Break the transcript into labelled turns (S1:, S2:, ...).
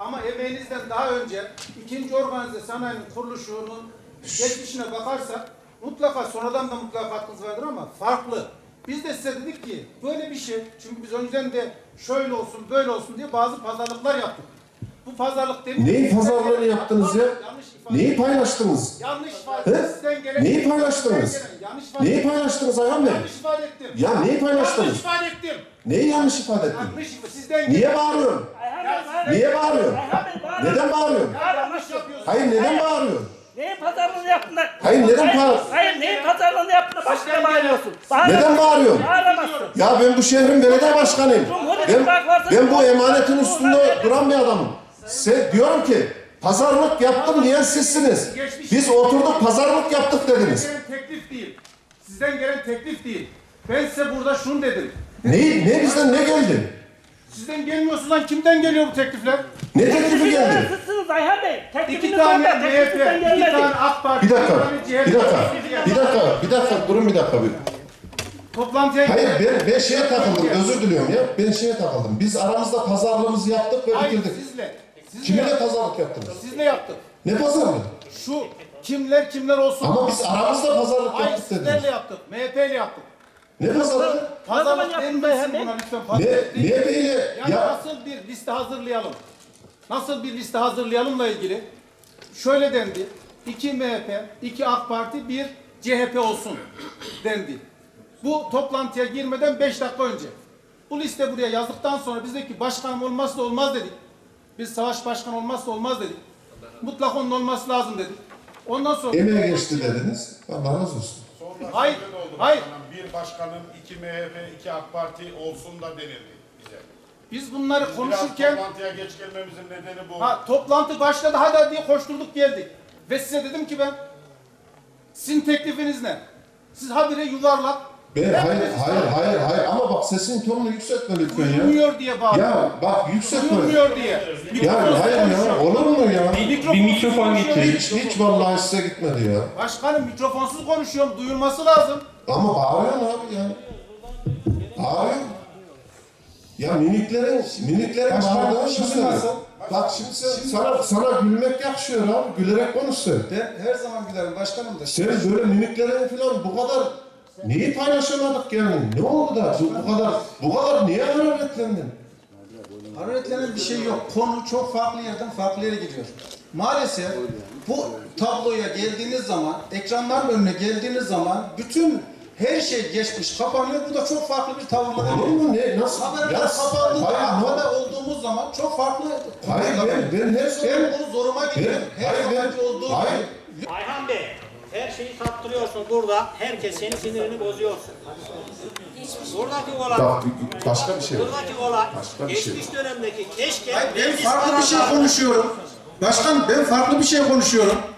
S1: Ama emeğinizden daha önce ikinci organize sanayinin kuruluşunun geçmişine bakarsak mutlaka sonradan da mutlaka katkınız vardır ama farklı. Biz de size dedik ki böyle bir şey, çünkü biz önceden de şöyle olsun böyle olsun diye bazı pazarlıklar yaptık. Bu pazarlık demin...
S2: Neyi pazarlığını yaptınız ya? Neyi paylaştınız?
S1: Yanlış ifade. Sizden gelen...
S2: Neyi paylaştınız? Neyi paylaştınız Ayhan Bey?
S1: Yanlış ifade ettim.
S2: Ya neyi paylaştınız?
S1: Yanlış ifade ettim.
S2: Neyi yanlış ifade ettin?
S1: Yanlış sizden
S2: Niye bağırıyorsun? Niye bağırıyorsun? Neden bağırıyorsun?
S1: yanlış yapıyorsun.
S2: Hayır neden bağırıyorsun?
S3: Neyin pazarlığını yaptın?
S2: Hayır neden bağırıyorsun?
S3: Hayır neyin pazarlığını yaptın? Başka bağırıyorsun.
S2: Neden bağırıyorsun?
S3: Bağıramazsın.
S2: Ya ben bu şehrin belediye başkanıyım. Ben bu emanetin üstünde duran bir adamım. Diyorum ki pazarlık yaptım diyen sizsiniz. Biz oturduk pazarlık yaptık dediniz.
S1: Sizden gelen teklif değil. Sizden gelen teklif değil. Ben size burada şunu dedim.
S2: Ne bizden ne geldi?
S1: Sizden gelmiyorsa lan kimden geliyor bu teklifler?
S2: Ne teklifi geldi?
S3: Sizsiniz Ayhan Bey.
S1: İki
S3: Teklifiniz
S1: tane
S3: orada.
S1: MHP,
S3: Tekliften
S1: iki
S3: gelmedi.
S1: tane AK Parti,
S2: Bir dakika,
S1: bir tane CHP.
S2: bir dakika, durun bir dakika.
S1: Toplantıya
S2: Hayır
S1: gidelim.
S2: ben şeye takıldım, özür diliyorum ya. Ben şeye takıldım. Biz aramızda pazarlığımızı yaptık ve
S1: Hayır,
S2: bitirdik.
S1: sizle
S2: Kiminle pazarlık yaptınız?
S1: Sizle yaptık.
S2: Ne pazarlığı?
S1: Şu kimler olsun.
S2: Ama biz aramızda pazarlık
S1: Hayır,
S2: yaptık dediniz.
S1: sizlerle yaptık. MHP'yle yaptık.
S2: Ne pazarlığı?
S1: Pazarlık
S3: yaptın
S1: denmesin
S3: be?
S1: buna lütfen.
S2: Ne
S1: Pazarlık değil.
S2: MHP'yle
S1: Yani
S2: ya
S1: nasıl bir liste hazırlayalım? Nasıl bir liste hazırlayalımla ilgili şöyle dendi. 2 MHP, 2 AK Parti, 1 CHP olsun dendi. Bu toplantıya girmeden 5 dakika önce. Bu liste buraya yazdıktan sonra biz dedik ki başkanım olmazsa olmaz dedik. Biz savaş başkanı olmazsa olmaz dedik. Mutlaka onun olması lazım dedik. Ondan sonra...
S2: emeğe geçti dediniz. Allah razı olsun.
S4: Sonra
S1: Hayır,
S4: şöyle oldu
S1: hayır.
S4: başkanım, bir başkanın 2 MHP, 2 AK Parti olsun da denildi bize.
S1: Biz bunları
S4: Biraz
S1: konuşurken...
S4: toplantıya geç gelmemizin nedeni bu.
S1: Toplantı başladı hadi diye koşturduk geldik. Ve size dedim ki ben sizin teklifiniz ne? Siz habire yuvarlak.
S2: Hayır ama bak sesin tonunu yükseltme lütfen ya.
S1: Duyulmuyor diye bağırıyor.
S2: Ya bak yükseltme.
S1: Duyulmuyor diye.
S2: Ya hayır ya olur mu ya?
S1: Bir mikrofon getir.
S2: Hiç vallahi size gitmedi ya.
S1: Başkanım mikrofonsuz konuşuyorum. Duyulması lazım.
S2: Ama bağırıyorsun abi ya. Bağırıyorsun. Ya mimiklerin bağırdığını şimdi. Bak şimdi sana gülmek yakışıyor abi. Gülerek konuş sen.
S1: Ben her zaman gülerim başkanım da.
S2: Sen böyle mimiklerin falan bu kadar neyi paylaşamadık yani? Ne oldu da bu kadar niye hararetlendin?
S1: Hararetlenen bir şey yok. Konu çok farklı yerden farklı yere gidiyor. Maalesef bu tabloya geldiğiniz zaman, ekranların önüne geldiğiniz zaman bütün her şey geçmiş, kapanıyor. Bu da çok farklı bir tavırla
S2: Olur
S1: geliyor.
S2: mu ne? Nasıl?
S1: Haberler kapandığında,
S2: hayır,
S1: haber olduğumuz zaman çok farklı.
S2: Hayır ben her
S1: Ben bunu zoruma gidiyorum. Her zamanki olduğu gibi.
S5: Ayhan Bey, her şeyi sattırıyorsun burada. Herkes senin sinirini bozuyorsun. Buradaki olay,
S2: Bak başka bir şey.
S5: buradaki olay,
S2: Başka bir şey.
S5: geçmiş dönemdeki keşke
S1: Hayır, ben
S5: meclis
S1: farklı bir şey
S5: kararları-
S1: konuşuyorum. Başkan ben farklı bir şey konuşuyorum.